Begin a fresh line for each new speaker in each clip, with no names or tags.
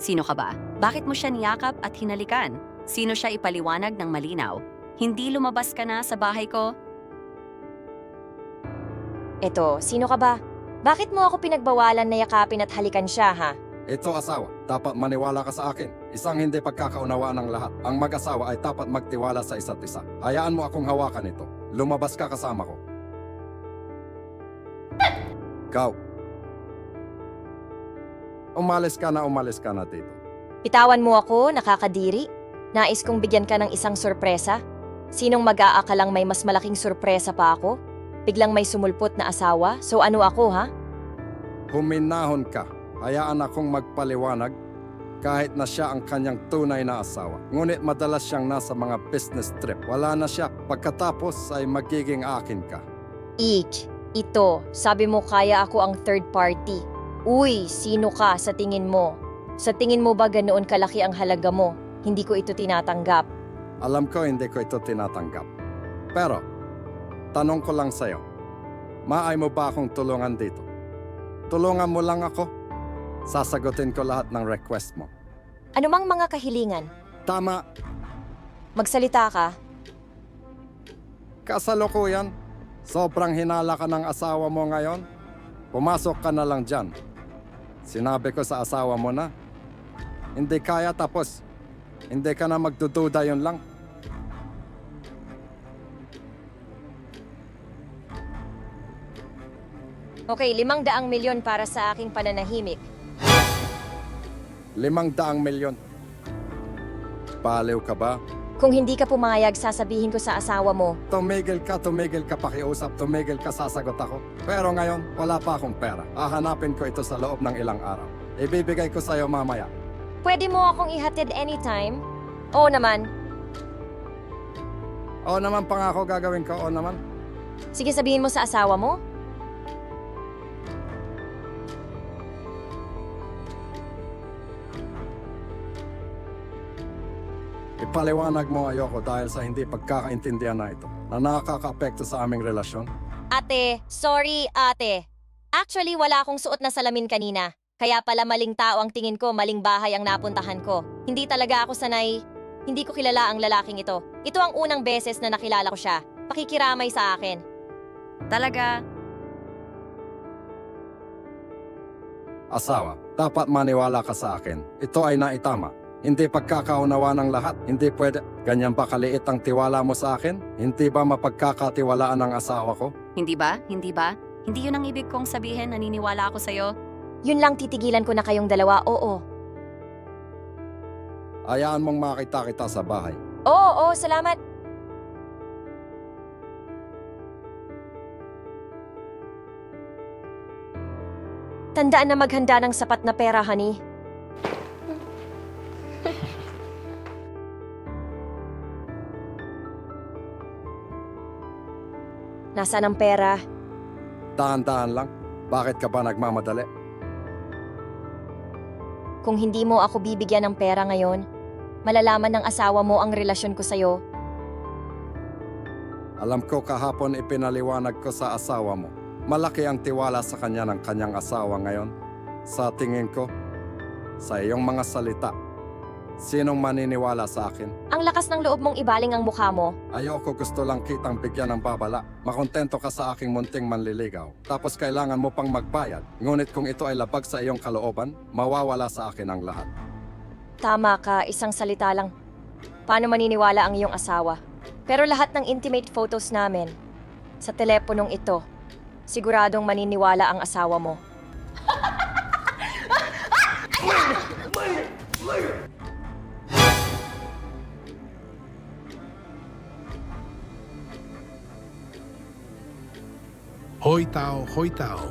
Sino ka ba? Bakit mo siya niyakap at hinalikan? Sino siya ipaliwanag ng malinaw? Hindi lumabas ka na sa bahay ko?
Eto, sino ka ba? Bakit mo ako pinagbawalan na yakapin at halikan siya, ha?
Ito asawa, dapat maniwala ka sa akin. Isang hindi pagkakaunawaan ng lahat. Ang mag-asawa ay dapat magtiwala sa isa't isa. Hayaan mo akong hawakan ito. Lumabas ka kasama ko. Ikaw. Umalis ka na dito.
Bitawan mo ako, nakakadiri. Nais kong bigyan ka ng isang sorpresa. Sinong mag-aakalang may mas malaking sorpresa pa ako? Biglang may sumulpot na asawa, so ano ako, ha?
Huminahon ka. Hayaan akong magpaliwanag kahit na siya ang kanyang tunay na asawa. Ngunit madalas siyang nasa mga business trip. Wala na siya. Pagkatapos ay magiging akin ka.
Ito, sabi mo kaya ako ang third party. Uy, sino ka sa tingin mo? Sa tingin mo ba ganoon kalaki ang halaga mo? Hindi ko ito tinatanggap.
Alam ko hindi ko ito tinatanggap. Pero, tanong ko lang sa'yo. Maay mo ba akong tulungan dito? Tulungan mo lang ako. Sasagutin ko lahat ng request mo.
Ano mang mga kahilingan?
Tama,
Magsalita ka.
kasalukuyan. Sobrang hinala ka ng asawa mo ngayon. Pumasok ka na lang dyan. Sinabi ko sa asawa mo na. Hindi kaya tapos. Hindi ka na magdududa yun lang.
Okay, 500 milyon para sa aking pananahimik.
500 milyon. Baliw ka ba?
Kung hindi ka pumayag, sasabihin ko sa asawa mo.
Tumigil ka pakiusap, tumigil ka, sasagot ako. Pero ngayon, wala pa akong pera. Hahanapin ko ito sa loob ng ilang araw. Ibibigay ko sa'yo mamaya.
Pwede mo akong ihatid anytime? Oo naman.
Oo naman, pangako gagawin ko, oo naman.
Sige, sabihin mo sa asawa mo.
Ipaliwanag mo ayoko dahil sa hindi pagkakaintindihan na ito na nakaka-apekto sa aming relasyon.
Ate, sorry ate. Actually, wala akong suot na salamin kanina. Kaya pala maling tao ang tingin ko, maling bahay ang napuntahan ko. Hindi talaga ako sanay. Hindi ko kilala ang lalaking ito. Ito ang unang beses na nakilala ko siya. Pakikiramay sa akin.
Talaga?
Asawa, dapat maniwala ka sa akin. Ito ay naitama. Hindi pagkakaunawa ng lahat. Hindi pwede. Ganyan ba kaliit ang tiwala mo sa akin? Hindi ba mapagkakatiwalaan ng asawa ko?
Hindi ba? Hindi ba? Hindi yun ang ibig kong sabihin, naniniwala ako sa'yo.
Yun lang titigilan ko na kayong dalawa, oo.
Hayaan mong makita kita sa bahay.
Oo, salamat. Tandaan na maghanda ng sapat na pera, honey. Nasaan ang pera?
Dahan-dahan lang. Bakit ka ba nagmamadali?
Kung hindi mo ako bibigyan ng pera ngayon, malalaman ng asawa mo ang relasyon ko sa'yo.
Alam ko kahapon ipinaliwanag ko sa asawa mo. Malaki ang tiwala sa kanya ng kanyang asawa ngayon. Sa tingin ko, sa iyong mga salita, sinong maniniwala sa akin?
Ang lakas ng loob mong ibaling ang mukha mo.
Ayoko, gusto lang kitang bigyan ng babala. Makontento ka sa aking munting manliligaw. Tapos kailangan mo pang magbayad. Ngunit kung ito ay labag sa iyong kalooban, mawawala sa akin ang lahat.
Tama ka, isang salita lang. Paano maniniwala ang iyong asawa? Pero lahat ng intimate photos namin, sa teleponong ito, siguradong maniniwala ang asawa mo.
Hoy tao, hoy tao.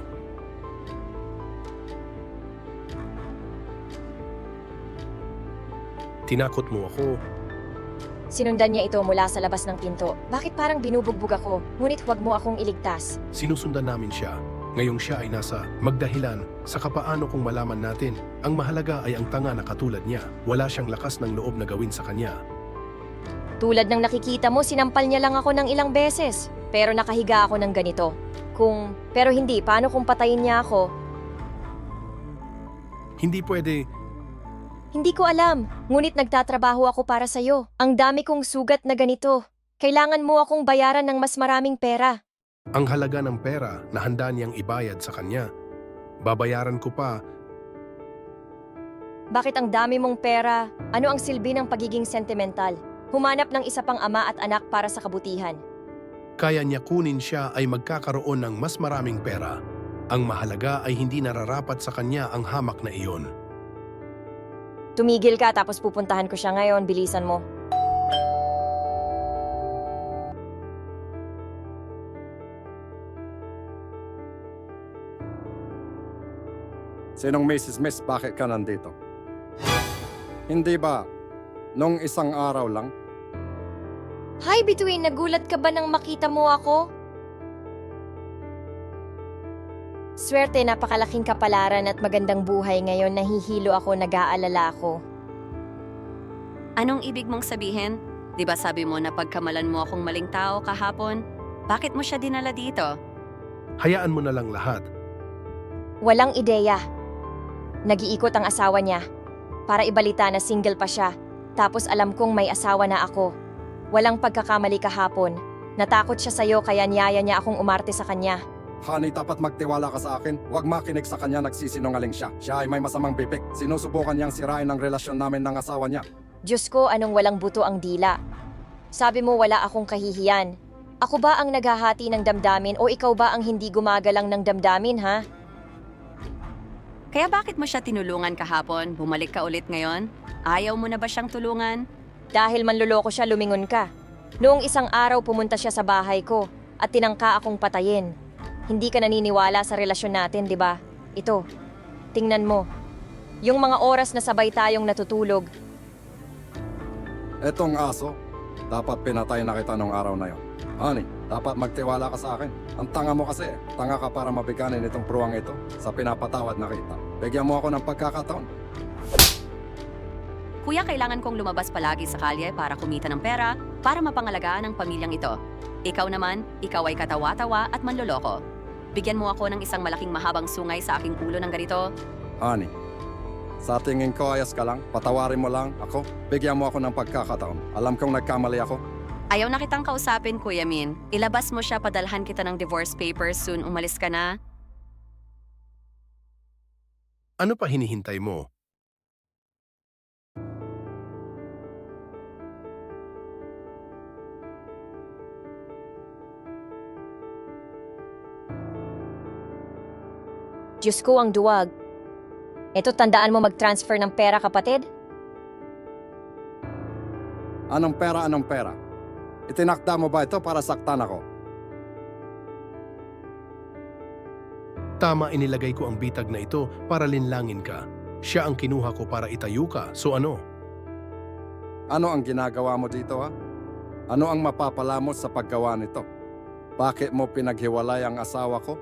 Tinakot mo ako.
Sinundan niya ito mula sa labas ng pinto. Bakit parang binubugbog ako? Ngunit huwag mo akong iligtas.
Sinusundan namin siya. Ngayong siya ay nasa magdahilan sa kapaano kung malaman natin. Ang mahalaga ay ang tanga na katulad niya. Wala siyang lakas ng loob na gawin sa kanya.
Tulad ng nakikita mo, sinampal niya lang ako ng ilang beses. Pero nakahiga ako ng ganito. Pero hindi, paano kung patayin niya ako?
Hindi pwede.
Hindi ko alam, ngunit nagtatrabaho ako para sa'yo. Ang dami kong sugat na ganito. Kailangan mo akong bayaran ng mas maraming pera.
Ang halaga ng pera na handa niyang ibayad sa kanya. Babayaran ko pa.
Bakit ang dami mong pera? Ano ang silbi ng pagiging sentimental? Humanap ng isa pang ama at anak para sa kabutihan.
Kaya niya kunin siya ay magkakaroon ng mas maraming pera. Ang mahalaga ay hindi nararapat sa kanya ang hamak na iyon.
Tumigil ka tapos pupuntahan ko siya ngayon, bilisan mo.
Sinong Mrs. Miss, bakit ka nandito? Hindi ba, nung isang araw lang?
Hi, Bituin! Nagulat ka ba nang makita mo ako? Swerte, napakalaking kapalaran at magandang buhay ngayon. Nahihilo ako, nag-aalala ako.
Anong ibig mong sabihin? Di ba sabi mo na pagkamalan mo akong maling tao kahapon? Bakit mo siya dinala dito?
Hayaan mo na lang lahat.
Walang ideya. Nag-iikot ang asawa niya. Para ibalita na single pa siya. Tapos alam kong may asawa na ako. Walang pagkakamali kahapon. Natakot siya sa'yo kaya niyaya niya akong umarte sa kanya.
Honey, dapat magtiwala ka sa akin. Huwag makinig sa kanya, nagsisinungaling siya. Siya ay may masamang bibig. Sinusubukan niyang sirain ang relasyon namin ng asawa niya.
Diyos ko, anong walang buto ang dila. Sabi mo wala akong kahihiyan. Ako ba ang naghahati ng damdamin o ikaw ba ang hindi gumagalang ng damdamin, ha?
Kaya bakit mo siya tinulungan kahapon? Bumalik ka ulit ngayon? Ayaw mo na ba siyang tulungan?
Dahil manluloko siya, lumingon ka. Noong isang araw pumunta siya sa bahay ko at tinangka akong patayin. Hindi ka naniniwala sa relasyon natin, di ba? Ito, tingnan mo. Yung mga oras na sabay tayong natutulog.
Etong aso, dapat pinatay na kita nung araw na yon. Honey, dapat magtiwala ka sa akin. Ang tanga mo kasi, tanga ka para mabiganin itong pruwang ito sa pinapatawad na kita. Bigyan mo ako ng pagkakataon.
Kuya, kailangan kong lumabas palagi sa kalye para kumita ng pera para mapangalagaan ang pamilyang ito. Ikaw naman, ikaw ay katawa-tawa at manloloko. Bigyan mo ako ng isang malaking mahabang sungay sa aking ulo ng ganito.
Honey, sa tingin ko ayos ka lang. Patawarin mo lang ako. Bigyan mo ako ng pagkakataon. Alam kong nagkamali ako.
Ayaw na kitang kausapin, Kuya Min. Ilabas mo siya, padalhan kita ng divorce papers, soon umalis ka na.
Ano pa hinihintay mo?
Diyos ko, ang duwag. Ito, tandaan mo mag-transfer ng pera, kapatid?
Anong pera, anong pera? Itinakda mo ba ito para saktan ako?
Tama, inilagay ko ang bitag na ito para linlangin ka. Siya ang kinuha ko para itayo ka, so ano?
Ano ang ginagawa mo dito, ha? Ano ang mapapala mo sa paggawa nito? Bakit mo pinaghiwalay ang asawa ko?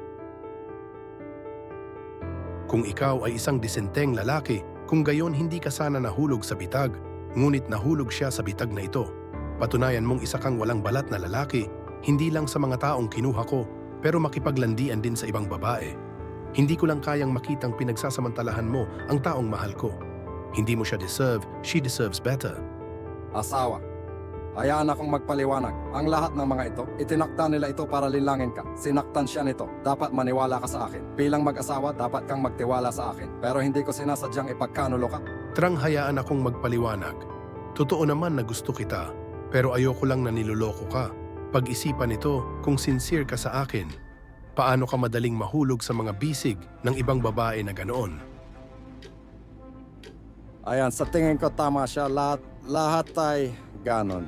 Kung ikaw ay isang disenteng lalaki, kung gayon hindi ka sana nahulog sa bitag, ngunit nahulog siya sa bitag na ito. Patunayan mong isa kang walang balat na lalaki, hindi lang sa mga taong kinuha ko, pero makipaglandian din sa ibang babae. Hindi ko lang kayang makitang pinagsasamantalahan mo ang taong mahal ko. Hindi mo siya deserve, she deserves better.
Asawa. Hayaan akong magpaliwanag. Ang lahat ng mga ito, itinakda nila ito para linlangin ka. Sinaktan siya nito. Dapat maniwala ka sa akin. Bilang mag-asawa, dapat kang magtiwala sa akin. Pero hindi ko sinasadyang ipagkanulo ka.
Trang hayaan akong magpaliwanag. Totoo naman na gusto kita, pero ayoko lang na niloloko ka. Pag-isipan ito kung sincere ka sa akin. Paano ka madaling mahulog sa mga bisig ng ibang babae na ganoon?
Ayan, sa tingin ko tama siya. Lahat ay ganon.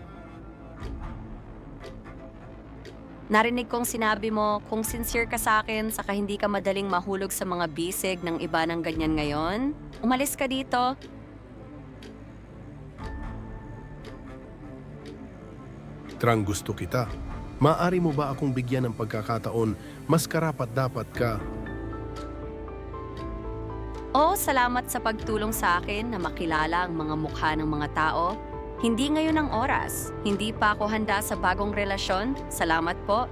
Narinig kong sinabi mo, kung sincere ka sa akin, saka hindi ka madaling mahulog sa mga bisig ng iba ng ganyan ngayon, umalis ka dito.
Trang, gusto kita. Maaari mo ba akong bigyan ng pagkakataon, mas karapat-dapat ka?
Oo, salamat sa pagtulong sa akin na makilala ang mga mukha ng mga tao. Hindi ngayon ang oras. Hindi pa ako handa sa bagong relasyon. Salamat po.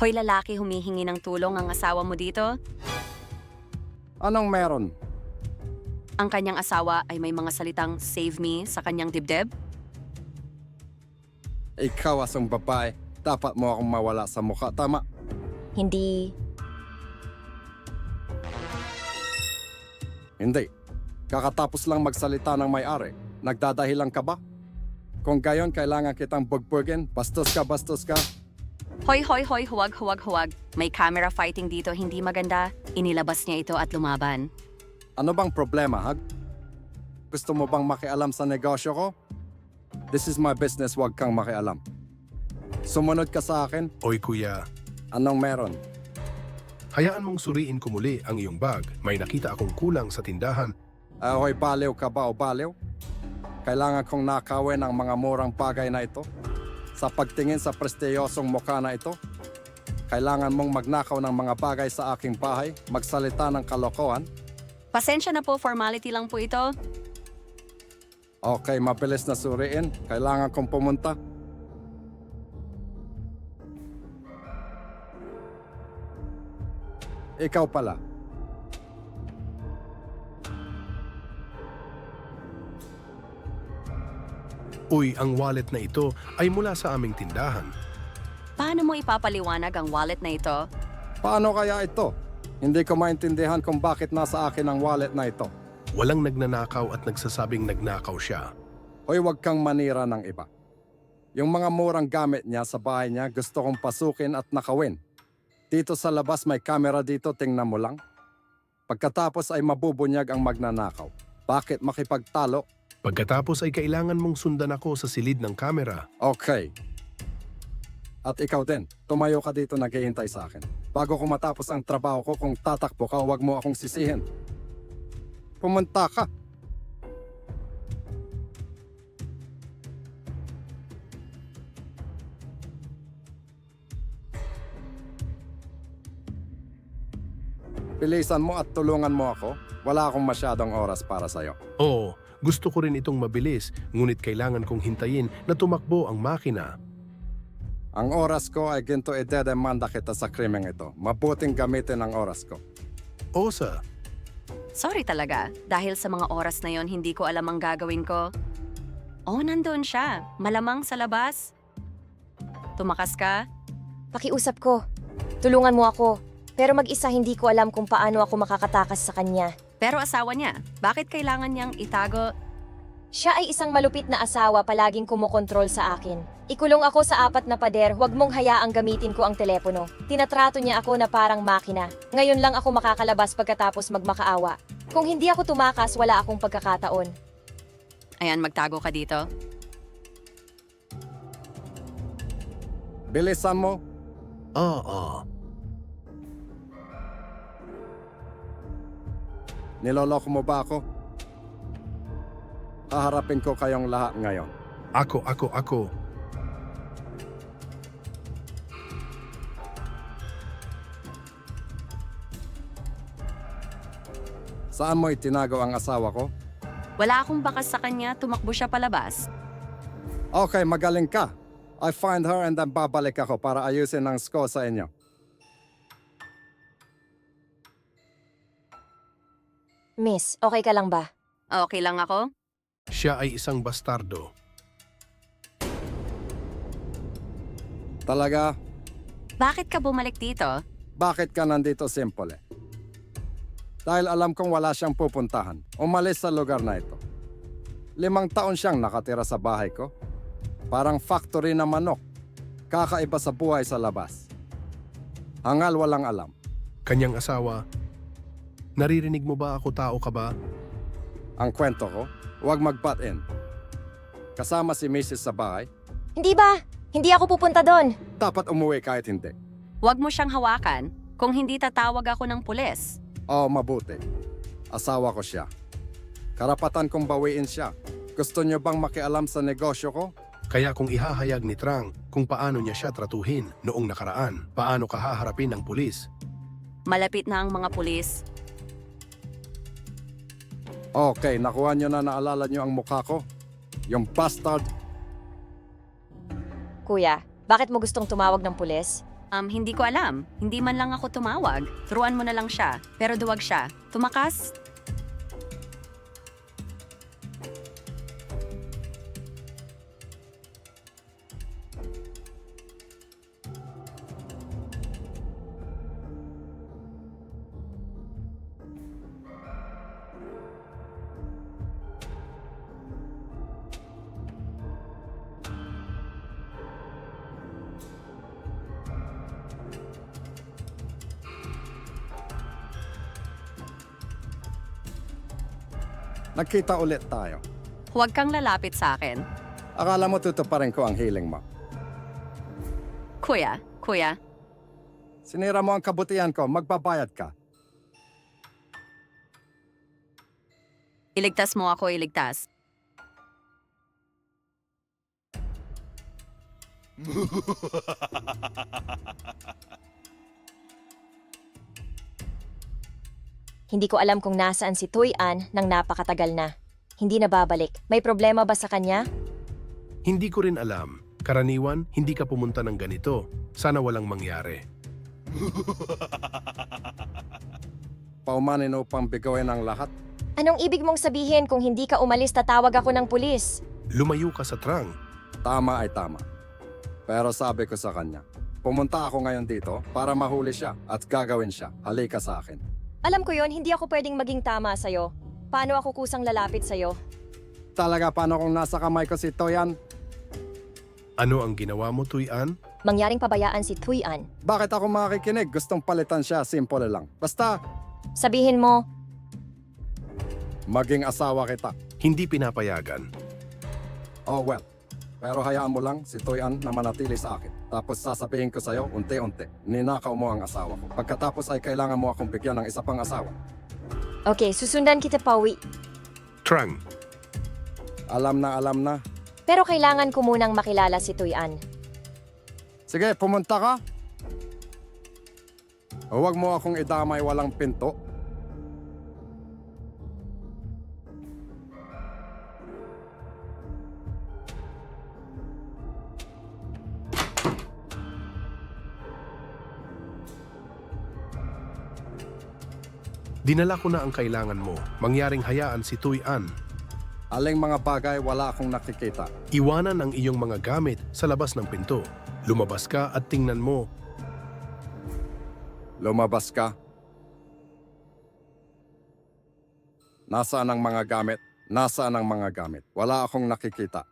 Hoy lalaki, humihingi ng tulong ang asawa mo dito.
Anong meron?
Ang kanyang asawa ay may mga salitang save me sa kanyang dibdib.
Ikaw asong babae. Dapat mo akong mawala sa mukha, tama?
Hindi.
Hindi. Kakatapos lang magsalita ng may-ari. Nagdadahilan ka ba? Kung gayon, kailangan kitang bugbugin. Bastos ka.
Hoy, huwag. May camera fighting dito, hindi maganda. Inilabas niya ito at lumaban.
Ano bang problema, Hag? Gusto mo bang makialam sa negosyo ko? This is my business, wag kang makialam. Sumunod ka sa akin?
Oy kuya,
Anong meron?
hayaan mong suriin ko muli ang iyong bag. May nakita akong kulang sa tindahan.
Hoy, baliw ka ba o baliw? Kailangan kong nakawin ang mga murang bagay na ito. Sa pagtingin sa prestiyosong mukha na ito, kailangan mong magnakaw ng mga bagay sa aking bahay, magsalita ng kalokohan.
Pasensya na po, formality lang po ito.
Okay, mabilis na suriin. Kailangan kong pumunta. Ikaw pala.
Uy, ang wallet na ito ay mula sa aming tindahan.
Paano mo ipapaliwanag ang wallet na ito?
Paano kaya ito? Hindi ko maintindihan kung bakit nasa akin ang wallet na ito.
Walang nagnanakaw at nagsasabing nagnakaw siya.
Hoy, wag kang manira ng iba. Yung mga murang gamit niya sa bahay niya, gusto kong pasukin at nakawin. Dito sa labas may camera dito, tingnan mo lang. Pagkatapos ay mabubunyag ang magnanakaw. Bakit makipagtalo?
Pagkatapos ay kailangan mong sundan ako sa silid ng kamera.
Okay. At ikaw din, tumayo ka dito naghihintay sa akin. Bago ko matapos ang trabaho ko, kung tatakbo ka, huwag mo akong sisihin. Pumunta ka. Bilisan mo at tulungan mo ako. Wala akong masyadong oras para sa'yo.
Oo, gusto ko rin itong mabilis, ngunit kailangan kong hintayin na tumakbo ang makina.
Ang oras ko ay ginto idedemanda kita sa krimeng ito. Mabuting gamitin ang oras ko.
Osa,
Sorry talaga, dahil sa mga oras na yon hindi ko alam ang gagawin ko. Oh, nandun siya. Malamang sa labas. Tumakas ka?
Pakiusap ko. Tulungan mo ako. Pero mag-isa hindi ko alam kung paano ako makakatakas sa kanya.
Pero asawa niya, bakit kailangan niyang itago?
Siya ay isang malupit na asawa palaging kumokontrol sa akin. Ikulong ako sa 4 na pader, huwag mong hayaang gamitin ko ang telepono. Tinatrato niya ako na parang makina. Ngayon lang ako makakalabas pagkatapos magmakaawa. Kung hindi ako tumakas, wala akong pagkakataon.
Ayan, magtago ka dito.
Bilisan mo.
oo.
Niloloko mo ba ako? Haharapin ko kayong lahat ngayon.
Ako.
Saan mo itinago ang asawa ko?
Wala akong bakas sa kanya, tumakbo siya palabas.
Okay, magaling ka. I find her and then babalik ako para ayusin ang score sa inyo.
Miss, okay ka lang ba?
Okay lang ako?
Siya ay isang bastardo.
Talaga?
Bakit ka bumalik dito?
Bakit ka nandito, simple? Dahil alam kong wala siyang pupuntahan. Umalis sa lugar na ito. 5 taon siyang nakatira sa bahay ko. Parang factory na manok. Kakaiba sa buhay sa labas. Hangal walang alam.
Kanyang asawa, naririnig mo ba ako, tao ka ba?
Ang kwento ko, huwag mag-butt in. Kasama si Mrs. sa bahay,
Hindi ba? Hindi ako pupunta doon.
dapat umuwi kahit hindi.
Huwag mo siyang hawakan. Kung hindi tatawag ako ng pulis.
Oo, mabuti. Asawa ko siya. Karapatan kong bawiin siya. Gusto niyo bang makialam sa negosyo ko?
Kaya kung ihahayag ni Trang kung paano niya siya tratuhin noong nakaraan, paano ka haharapin ng pulis?
Malapit na ang mga pulis.
Okay, nakuha niyo na, naalala niyo ang mukha ko? Yung bastard.
Kuya, bakit mo gustong tumawag ng pulis?
Hindi ko alam. Hindi man lang ako tumawag. Turuan mo na lang siya. Pero duwag siya. Tumakas?
Nagkita ulit tayo.
Huwag kang lalapit sa akin.
Akala mo tutuparin ko ang hiling mo.
Kuya,
Sinira mo ang kabutihan ko, magbabayad ka.
iligtas mo ako, iligtas.
Hindi ko alam kung nasaan si Tuy-an nang napakatagal na. Hindi na babalik. May problema ba sa kanya?
Hindi ko rin alam. Karaniwan, hindi ka pumunta ng ganito. Sana walang mangyari.
Paumanin upang bigawin ang lahat.
Anong ibig mong sabihin kung hindi ka umalis tatawag ako ng pulis?
Lumayo ka sa trang.
Tama ay tama. Pero sabi ko sa kanya, pumunta ako ngayon dito para mahuli siya at gagawin siya. Halika sa akin.
Alam ko yon, hindi ako pwedeng maging tama sa'yo. Paano ako kusang lalapit sa'yo?
Talaga paano kung nasa kamay ko si Toyan?
Ano ang ginawa mo, Tuy-an?
Mangyaring pabayaan si Tuy-an.
Bakit ako makikinig? Gustong palitan siya, simple lang. Basta,
Sabihin mo,
maging asawa kita.
Hindi pinapayagan.
Oh well. Pero hayaan mo lang si Toyan na manatili sa akin. Tapos sasabihin ko sa'yo, unti-unti, ninakaw mo ang asawa ko. Pagkatapos ay kailangan mo akong bigyan ng isa pang asawa.
okay, susundan kita pauwi.
Trang.
Alam na.
Pero kailangan ko munang makilala si Tuy-an.
Sige, pumunta ka. Huwag mo akong idamay walang pinto.
Dinala ko na ang kailangan mo. Mangyaring hayaan si Tuy-an.
Aling mga bagay wala akong nakikita.
Iwanan ang iyong mga gamit sa labas ng pinto. Lumabas ka at tingnan mo.
Lumabas ka. Nasaan ang mga gamit? Nasaan ang mga gamit? Wala akong nakikita.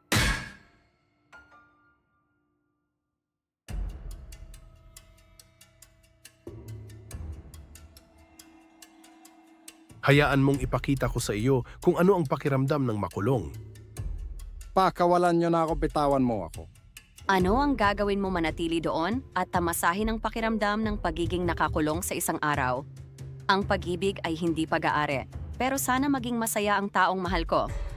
Hayaan mong ipakita ko sa iyo kung ano ang pakiramdam ng makulong.
Pakawalan niyo na ako, bitawan mo ako.
Ano ang gagawin mo manatili doon at tamasahin ang pakiramdam ng pagiging nakakulong sa isang araw? Ang pag-ibig ay hindi pag-aari, pero sana maging masaya ang taong mahal ko.